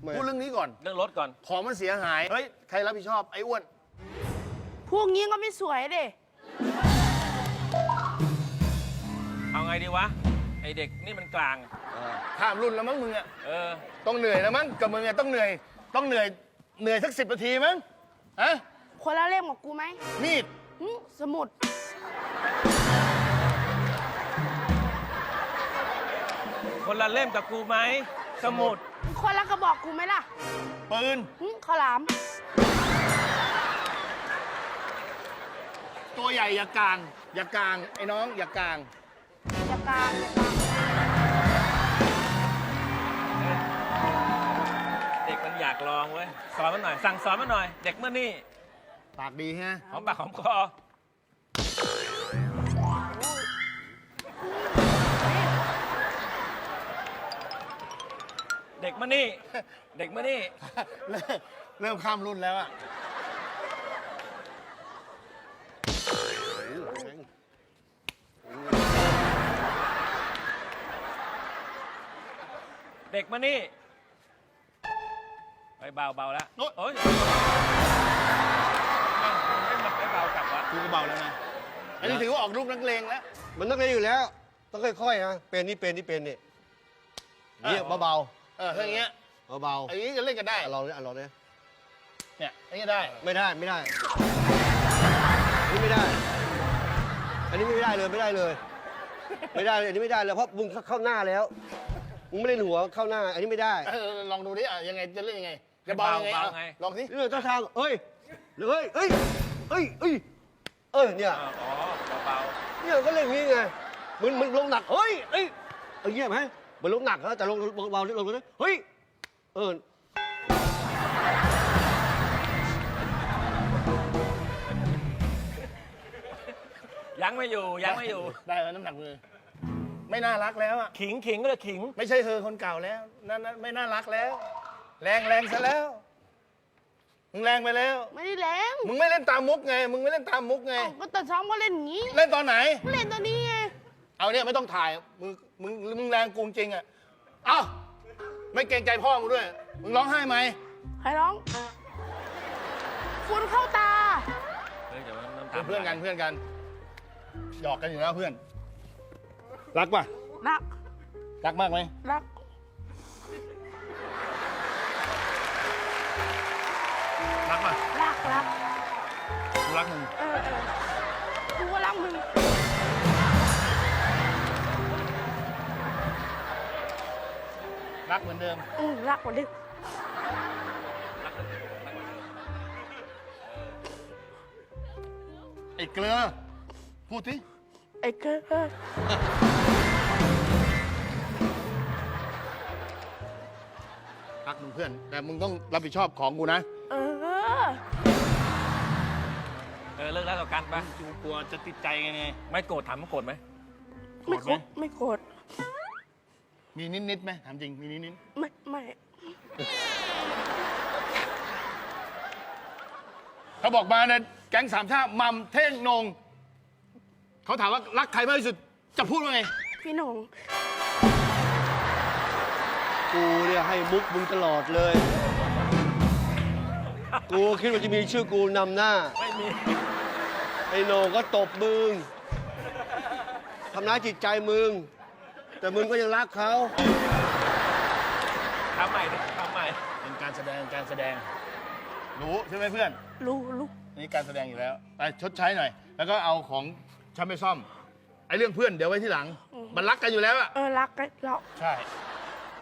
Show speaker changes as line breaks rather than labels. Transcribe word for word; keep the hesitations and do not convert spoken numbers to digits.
พูดเรื่องนี้ก่อน
เรื่องรถก่อน
ของมันเสียหาย เฮ้ย ใครรับผิดชอบ ไอ้อ้วน
พวกนี้ก็ไม่สวยดิ
เอาไงดีวะ ไอเด็กนี่มันกลาง
ข้ามรุ่นแล้วมั้งมึงอะ
เออ
ต้องเหนื่อยแล้วมั้ง กับมึงอะต้องเหนื่อย ต้องเหนื่อย เหนื่อยสักสิบนาทีมั้งฮะ
คนละเล่มกับกูไหม
มีด
หึสมุด
คนละเล่มกับกูไหม สมุด
คนละกระบอกกูไหมล่ะ
ปืน
หึข้าวหลาม
ตัวใหญ่อย่ากลาง อย่ากลาง ไอ้น้อง อย่ากลาง
อย่ากลางอย่ากลาง
เด็กมันอยากลองเว้ย สอนมันหน่อย สั่งสอนมันหน่อย เด็กเมื่อนี่
ปากดีฮะ
หอมปากหอมคอ เด็กเมื่อนี่ เด็กเมื่อนี่
เริ่มเริ่มข้ามรุ่นแล้วอะ
เด็กมานี่ไปเบาเบาแล้วโอ้ยไม่มาไปเบากลับวะ
กูก็เบาแล้วนะ อันนี้ถือว่าออกลูกนักเลงแล้ว
มันต้องเรียนอยู่แล้ว ต้องค่อยๆนะเป็นนี่เป็นนี่เป็นนี่เนี่ยเบา
เออถ้าอย่างเงี้ย
ๆเบา
อันนี้จะเล่นกันได้
ๆอ่ะลองเนี่ยอ่ะลองเนี่ย
เนี่ยอันนี้ได้
ไม่ได้ไม่ได้อันนี้ไม่ได้ อันนี้ไม่ได้เลยไม่ได้เลย ไม่ได้เลยอันนี้ไม่ได้เลยเพราะมึงเข้าหน้าแล้วมึงไม่เล่นหัวเข้าหน้า อันนี้ไม่ได้
เออลองดูดิอ่ะยังไงจะเล่นยังไง จะเบายังไงอ่ะลองสิ
นี่เจ้าทางเอ้ยเฮ้ยเอ้ยเอ้ยเอ้ยเอ้ยเนี่ย
อ๋อเบา
เนี่ยก็เล่นอย่างนี้ไงมันมันลงหนักเฮ้ยเอ้ยเอาเยี่ยมไหมมันลงหนักแล้วแต่ลงเบาๆลงเลยเฮ้ยเออ
ๆยังไม่อยู่ยังไม่อยู่
ได้แล้วน้ำหนักมือ ไม่น่ารักแล้วอ่ะ
ขิงขิงก็เลยขิง
ไม่ใช่เธอคนเก่าแล้วนั่นนั่นไม่น่ารักแล้ว แรงแรงซะแล้ว มึงแรงไปแล้ว
ไม่ได้แรง
มึงไม่เล่นตามมุกไง มึงไม่เล่นตามมุกไง
เอ้าก็ตอนซ้อมก็เล่นอย่างนี้
เล่นตอนไหน
เล่นตอนนี้ไง
เอาเนี่ยไม่ต้องถ่าย มึง มึง มึงแรงกูจริงอ่ะ เอ้า ไม่เกรงใจพ่อมึงด้วย มึงร้องไห้ไหม
ใครร้องฝุ่นเข้าตา
เฮ้ยเดี๋ยวมัน
เป็นเพื่อนกันเพื่อนกัน หยอกกันอยู่แล้วเพื่อน รักป่ะ
รัก
รักมากไหม
รัก
รักป่ะ
รัก รัก
กูรักมึง
เออเออกูก็รักมึง
รักเหมือนเดิม
อืมรักกว่าเดิม
ไอ้เกลือ พูดสิ
ไอ้เกอร์
รักมึงเพื่อน แต่มึงต้องรับผิดชอบของกูนะ
เออ
เออเลิกแล้วต่อกันปะ
กูกลัวจะติดใจไงไง
ไม่โกรธถามมันโกรธไหม
ไม่โกรธไม่โกรธ
มีนิดนิดๆไหมถามจริง มีนิดนิด
ไม่ไม่
ๆเขาบอกมาเนี่ยแก๊งสามชาติมัมเท่งนง เขาถามว่ารักใครมากที่สุด จะพูดว่าไง
พี่หนง
กูเนี่ยให้มุกมึงตลอดเลย กูคิดว่าจะมีชื่อกูนำหน้า
ไม่มี
ไอ้โหนงก็ตบมึงทำร้ายจิตใจมึง แต่มึงก็ยังรักเขา
ทำใหม่ดิทำใหม่
เป็นการแสดงการแสดง รู้ใช่ไหมเพื่อน
รู้รู้
นี่การแสดงอยู่แล้ว ไปชดใช้หน่อย แล้วก็เอาของฉันไปซ่อม ไอ้เรื่องเพื่อนเดี๋ยวไว้ที่หลัง มันรักกันอยู่แล้วอะ
เออรักกันเรา
ใช่